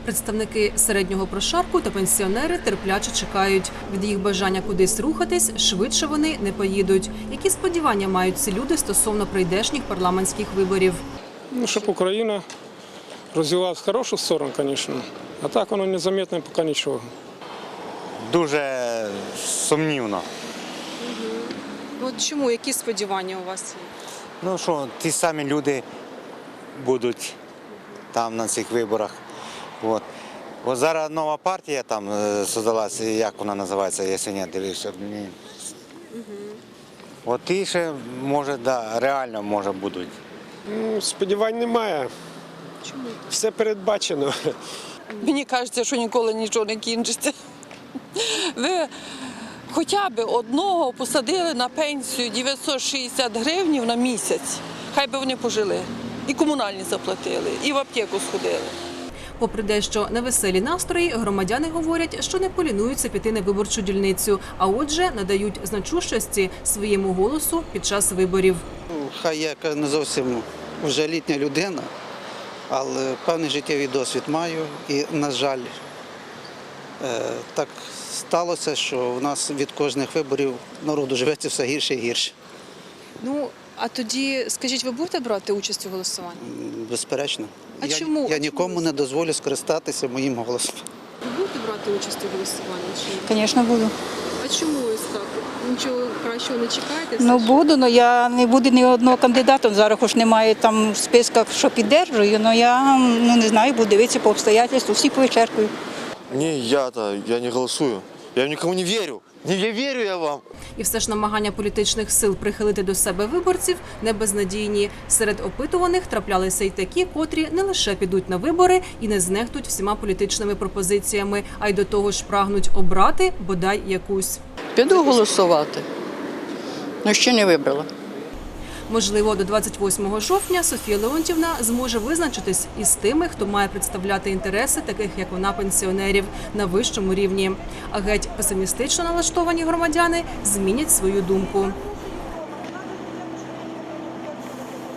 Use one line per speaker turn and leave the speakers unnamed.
Представники середнього прошарку та пенсіонери терпляче чекають. Від їх бажання кудись рухатись, швидше вони не поїдуть. Які сподівання мають ці люди стосовно прийдешніх парламентських виборів?
Щоб Україна розвивалася в хорошу сторону, звісно. А так воно незаметно поки нічого.
Дуже сумнівно.
От чому? Які сподівання у вас є?
Що ті самі люди будуть там на цих виборах. От зараз нова партія там создалася, як вона називається, якщо не дивився. От ті ще, може, реально, може, будуть.
Сподівань немає.
Чому?
Все передбачено.
Мені кажеться, що ніколи нічого не кінчиться. Ви хоча б одного посадили на пенсію 960 гривень на місяць. Хай би вони пожили. І комунальні заплатили, і в аптеку сходили.
Попри дещо невеселі настрої, громадяни говорять, що не полінуються піти на виборчу дільницю, а отже надають значущості своєму голосу під час виборів.
Хай я не зовсім вже літня людина, але певний життєвий досвід маю і, на жаль, так сталося, що в нас від кожних виборів народу живеться все гірше і гірше.
А тоді, скажіть, ви будете брати участь у голосуванні?
Безперечно.
А чому?
Я нікому не дозволю скористатися моїм голосом.
Ви будете брати участь у голосуванні?
Звісно, буду.
А чому ось так? Нічого кращого не чекаєте?
Буду, але я не буду ні одного кандидата. Зараз хоч немає там в списках, що піддержую, але я не знаю, буду дивитися по обстоятельству, всі повичеркую.
Ні, я не голосую. Я нікому не вірю. Не вірю я вам.
І все ж намагання політичних сил прихилити до себе виборців не безнадійні. Серед опитуваних траплялися й такі, котрі не лише підуть на вибори і не знехтуть всіма політичними пропозиціями, а й до того ж прагнуть обрати бодай якусь.
Піду голосувати, але ще не вибрала.
Можливо, до 28 жовтня Софія Леонтівна зможе визначитись із тими, хто має представляти інтереси таких, як вона, пенсіонерів, на вищому рівні. А геть песимістично налаштовані громадяни змінять свою думку.